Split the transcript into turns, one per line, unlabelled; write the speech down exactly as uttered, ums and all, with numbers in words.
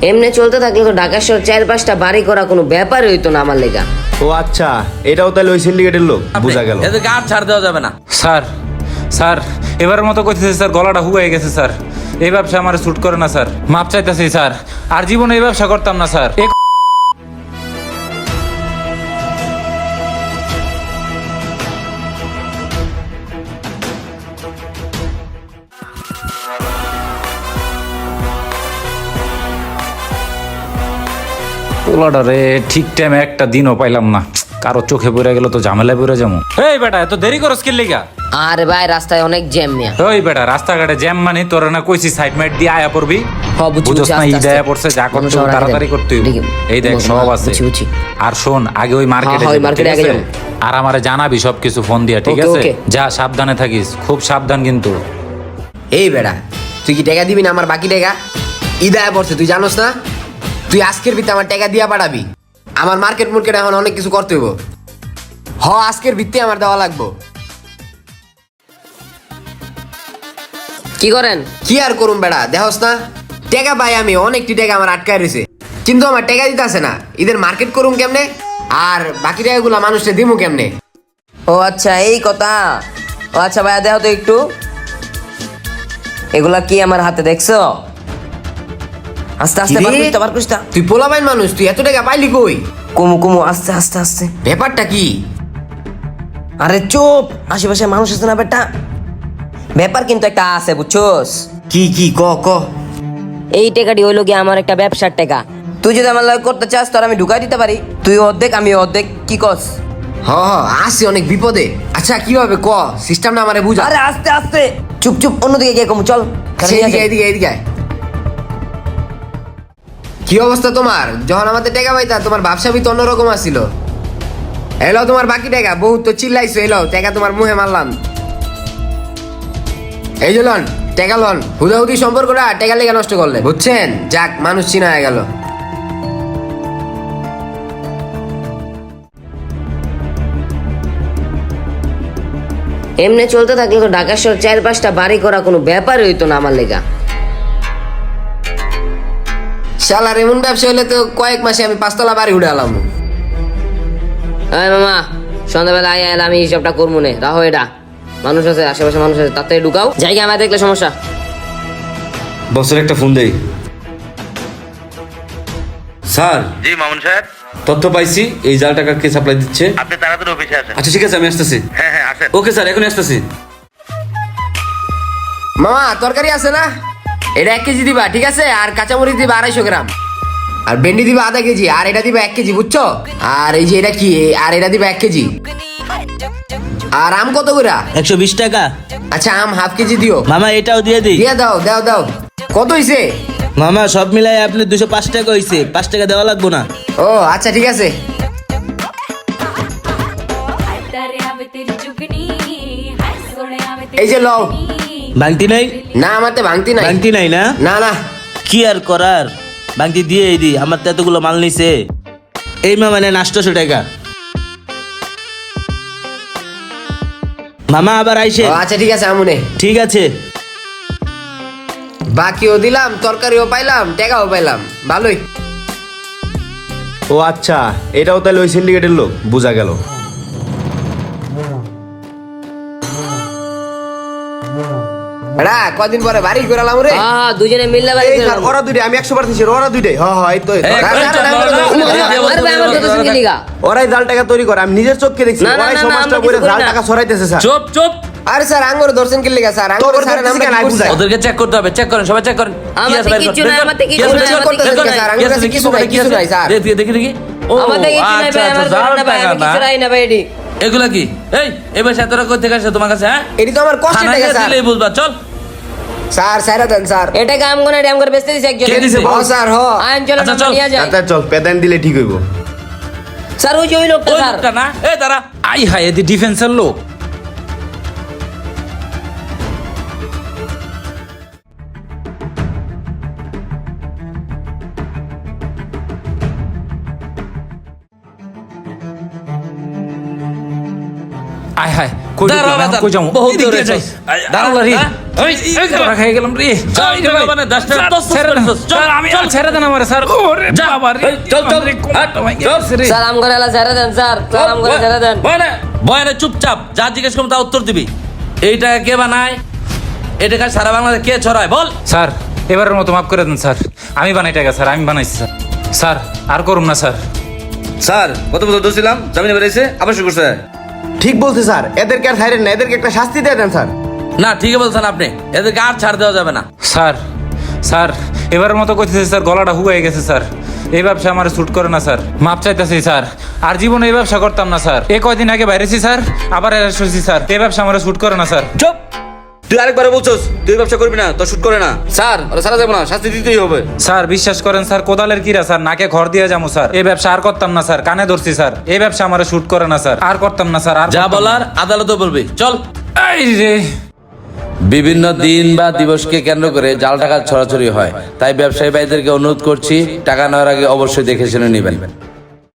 এমনি চলতে থাকলে তো ঢাকা শহর চার পাঁচটা বাড়ি করা কোনো ব্যাপারই হইতো না আমার লেগা।
ও আচ্ছা, এটাও তাহলে ওই সিন্ডিকেটের লোক, বোঝা গেল।
এদেরকে আর ছাড় দেওয়া যাবে না।
স্যার স্যার এবারের মতো কইতেছে স্যার, গলাটা হুয়ে গেছে স্যার, এই ব্যবসা আমার স্যুট করে না স্যার, মাপ চাইতেছি স্যার, আর জীবনে এই ব্যবসা করতাম না স্যার। এ পোলাটা রে ঠিক টাইমে একটা দিনও পাইলাম না, কারো চোখে পড়ে গেল তো ঝামেলায় পড়ে যাবো। এই বেটা এত দেরি করস কি লিগা?
আরে ভাই রাস্তায় অনেক জ্যাম মিয়া।
ওই বেটা রাস্তাঘাটে জ্যাম মানে তোর না কইছি সাইড মাইট দিয়ে আয়া পড়বি।
হ, বুঝছি,
বুঝছ
বুঝছি,
না
আস্তে
ই দেয়া
আস্তে।
পড়ছে, যা করতে
মানুষ আমার
তাড়াতাড়ি
আগে
করতে হইব।
দেখি,
এই দেখ
বুঝ-
সব আছে।
বুঝছি, বুঝছি।
আর শোন আগে ওই মার্কেটে
হ্যাঁ, ওই
যাবি,
মার্কেটে
ঠিক
আগে
আছে?
যাবো।
আর আমারে জানাবি সব কিছু ফোন দিয়া, ঠিক
ওকে,
আছে?
ওকে।
যা সাবধানে থাকিস, খুব সাবধান কিন্তু।
এই বেড়া, তুই কি টাকা দিবি না আমার বাকি টাকা? ইদায় পড়ছে, তুই জানোস না? তুই আজকের ভিত্তি আমার টাকা দিয়া পাঠাবি। আমার মার্কেট মুর্কেট এখন অনেক কিছু করতে হইব। হ, আজকের ভিত্তি আমার দেওয়া লাগবো।
কি করেন?
কি আর করুম বেড়া, দেখোস না টাকা পাই আমি, অনেকটি টাকা আমার আটকায় রয়েছে, কিন্তু আমার টাকা দিতে আসে না। ঈদের মার্কেট করুম কেমনে, আর বাকি টাকাগুলো মানুষকে দিমু কেমনে?
ও আচ্ছা এই কথা। ও আচ্ছা ভাইয়া দেখো তো একটু, এগুলা কি আমার হাতে দেখছো? আস্তে আস্তে
কিরে?
বার করিস তো, বার করিস তো।
তুই পোলাপাইন মানুষ, তুই এত টাকা পাইলি কই?
কুমু কুমু আস্তে আস্তে আস্তে।
ব্যাপারটা কি?
আরে চুপ, আশেপাশে মানুষ আছে না বেটা। ব্যাপার কিন্তু একটা আছে, বুঝছোস?
কি কি ক ক
এই টাকাটি হইলো গিয়ে আমার একটা ব্যবসার টাকা। তুই যদি আমার লাগে করতে চাস তোর আমি ঢুকাই দিতে পারি, তুই অর্ধেক আমি অর্ধেক, কি কস?
হ হ, আসি অনেক বিপদে। আচ্ছা কিভাবে ক, সিস্টেমটা আমারে বুঝা।
আরে আস্তে আস্তে, চুপ চুপ, অন্যদিকে গিয়ে কমু, চল।
আচ্ছা, এদিকে এদিকে এদিকে আয়। কি অবস্থা তোমার? যখন আমাদের টাকা পাইতা তোমার ব্যবসা তো অন্যরকম আসছিল। এলো তোমার বাকি টাকা, বহুত তো চিল্লাইছো, এলো টাকা তোমার মুহে মারলাম। এই যে লন টাকা লন, হুদাহুদি সম্পর্কটা টাকা লেগে নষ্ট করলে, বুঝছেন? যাক, মানুষ চিনা হয়ে গেল।
এমনি চলতে থাকলে তো ঢাকা শহর চার পাঁচটা বাড়ি করা কোনো ব্যাপারই হইতো না আমার লেগা।
শালার এমন ব্যবসা হলে তো কয়েক মাসে আমি পাঁচতলা বাড়ি উঠে আলাম।
এই মামা, সন্ধ্যাবেলা আয় আয়, আমি হিসাবটা করবো নে, রাহো এটা। মানুষ আছে আশেপাশে, মানুষ আছে, তাতে ঢুকাও জায়গা, আমার দেখলে সমস্যা।
বসের একটা ফোন দেই। স্যার,
জি মামুন সাহেব,
তথ্য পাইছি এই জাল টাকা কে সাপ্লাই দিচ্ছে।
আপনি তাড়াতাড়ি অফিসে আসেন।
আচ্ছা ঠিক আছে, আমি আসতেছি।
হ্যাঁ হ্যাঁ আসেন।
ওকে স্যার, এখনই আসতেছি।
মামা তরকারি আছে না? এটা এক কেজি দিবা, ঠিক আছে? আর কাঁচামরিচ দিবা আড়াইশো গ্রাম, আর ভেন্ডি দিবা আধা কেজি, আর এটা দিবা এক কেজি, বুঝছো? আর এই যে এটা কি, আর এটা দিবা এক কেজি। আর আম কত করে?
একশো বিশ টাকা।
আচ্ছা আম হাফ কেজি দিও।
মামা এটাও দিয়ে দিই।
দিয়ে দাও দাও দাও। কত হইছে?
মামা সব মিলাই আপনি দুশো পাঁচ টাকা হয়েছে, পাঁচ টাকা দেওয়া লাগবো না।
ও আচ্ছা ঠিক আছে। এই যে লও।
ভাঙতি নাই?
না আমার তো ভাঙতি নাই।
ভাঙতি নাই না?
না না।
কি আর করার, ভাঙতি দিয়ে দি, আমার তো এতগুলো মাল নিছে। এই মামা নেন আটশোশো টাকা। মামা আবার আইসে।
ও আচ্ছা ঠিক আছে আমুনে।
ঠিক আছে।
বাকিও দিলাম, তরকারিও পাইলাম, টাকাও পাইলাম, ভালোই।
ও আচ্ছা, এটাও তাহলে ওই সিন্ডিকেটের লোক, বোঝা গেল।
এডা কদিন পরে বাড়ি ঘুরালাম রে।
হ্যাঁ দুজনে মিললে বাড়ি
এই
করে
স্যার,
নেবো।
ওরা দুইটাই, আমি একশো বার দিচ্ছি, ওরা দুইটাই। হ্যাঁ হ্যাঁ, এই তো এই তো।
এই,
রাখ, রাখ,
চল,
রাখ,
চল,
রাখ,
চল,
রাখ,
চল,
রাখ,
চল,
আরে ভাই, আমার
চল,
কথা শুনকে লিগা।
ওরাই জাল টাকা তৈরি করে, আমি নিজের চোখকে দেখছি।
না, না,
ওরাই
না, না,
সমাজটা
আমরা
বইরে
কিছু করি
জাল
না।
টাকা ছড়াইতেছে স্যার।
চুপ চুপ।
আরে স্যার আঙ্গুর দর্শন কি লেগা স্যার? আঙ্গুর
তোর
স্যার
দর্শন
আমরা
কেন?
কি
আই
করছি?
বুঝাই।
ওদেরকে চেক করতে হবে, চেক করেন, সবাই চেক করেন।
আমার
কি আছে
থেকে
বাইর কর,
কিচ্ছু
বের
নাই,
কর।
আমার থেকে
কি আছে,
কিচ্ছু নাই,
বের কর,
আমার থেকে
বের কর,
কিচ্ছু নাই, স্যার,
কি আছে,
আমার কাছে
দেখি,
কিছু নাই,
কি আছে,
কিছু নাই, স্যার।
দেখি, দেখি, দেখি। ও,
আমার থেকে কিছু নাই
আচ্ছা,
ভাই, আমার
আচ্ছা,
জাল
জাল
না ভাই,
টাকা
আমি কিছু
না?
নাই না ভাই এটি।
এগুলা কি? এই এবার এত টাকা কোথা থেকে আসছে তোমার কাছে? হ্যাঁ,
এটি তো আমার কষ্টের
থানায়
টাকা
গিয়ে
স্যার।
দিলেই বুঝবা। চল।
স্যার স্যার দেন স্যার।
এটা কাম করে ড্যাম করে বেচতে দিছে একজন।
কে দিছে?
হ স্যার হ।
আইন চলো
আচ্ছা,
না
চল।
নিয়ে যায়।
আচ্ছা চল, পেদান দিলে ঠিক হইব।
স্যার ওই যে ওই লোকটা
ওই
স্যার।
লোকটা না? এই দাঁড়া।
আই হায়, এদি ডিফেন্সের লোক। আয় হায়, কই
দাঁড়া,
ঢুকলাম,
দাঁড়া,
কই যাবো?
বহুত
এদিক
দূরে
দিয়ে যাই।
চল। আয়, দাঁড়া,
আল্লাহ রে।
দাঁড়া।
এই, এই, ধরা খেয়ে গেলাম রে।
চল,
এই রে ভাই।
মানে দশ টাকা
স্যার,
দশ
ছেড়ে দেন।
দশ, চল,
স্যার, আমি
চল।
ছেড়ে দেন আমারে, স্যার। ওরে
যা।
বাবা রে।
এই, চল, চল,
আমারে কোমরটা
হাট,
ভেঙে
চল।
গেছে রে।
স্যার আম করে এলা ছেড়ে দেন স্যার স্যার আম করে ছেড়ে দেন
বয়নে বয়নে চুপচাপ যা জিজ্ঞেস করবো তা উত্তর দিবি। এই টাকা কে বানায়? এই টাকা সারা বাংলাদেশ কে ছড়ায় বল?
স্যার এবারের মতো মাফ করে দেন স্যার, আমি বানাই টাকা স্যার, আমি বানাইছি স্যার। স্যার আর করুন না স্যার।
স্যার গত বছর দোষিলাম জামিনে বেরিয়েছে আবার শুরু করছে।
ঠিক বলছে স্যার, এদেরকে আর ছাড়েন না, এদেরকে একটা শাস্তি দিয়ে দেন স্যার।
না ঠিকই বলছেন আপনি, এদেরকে আর ছাড় দেওয়া যাবে না।
স্যার স্যার এবারের মতো কইতেছে স্যার, গলাটা হুয়ে গেছে স্যার, এই ব্যবসা আমার স্যুট করে না স্যার, মাপ চাইতেছি স্যার, আর জীবনে এই ব্যবসা করতাম না স্যার। এই কয়দিন আগে বাইরেছি স্যার, আবার অ্যারেস্ট হয়েছি স্যার, এই ব্যবসা আমার স্যুট করে না স্যার।
চুপ, তুই আরেকবার বলছস তুই ব্যবসা করবি না, তোর শুট করে না। স্যার ওরা সারা যাবে না, শাস্তি দিতেই হবে।
স্যার বিশ্বাস করেন স্যার, কোদালের কিরা স্যার, নাকে ঘর দিয়ে যাবো স্যার, এই ব্যবসা আর করতাম না স্যার, কানে ধরছি স্যার, এই ব্যবসা আমার শুট করে না স্যার, আর করতাম না স্যার, আর
যা
করতাম না।
বলার আদালতে বলবি। চল।
এই রে।
বিভিন্ন দিন বা দিবসকে কেন্দ্র করে জাল টাকা ছড়াছড়ি হয়, তাই ব্যবসায়ী ভাইদেরকে অনুরোধ করছি টাকা নেওয়ার আগে অবশ্যই দেখে শুনে নেবেন।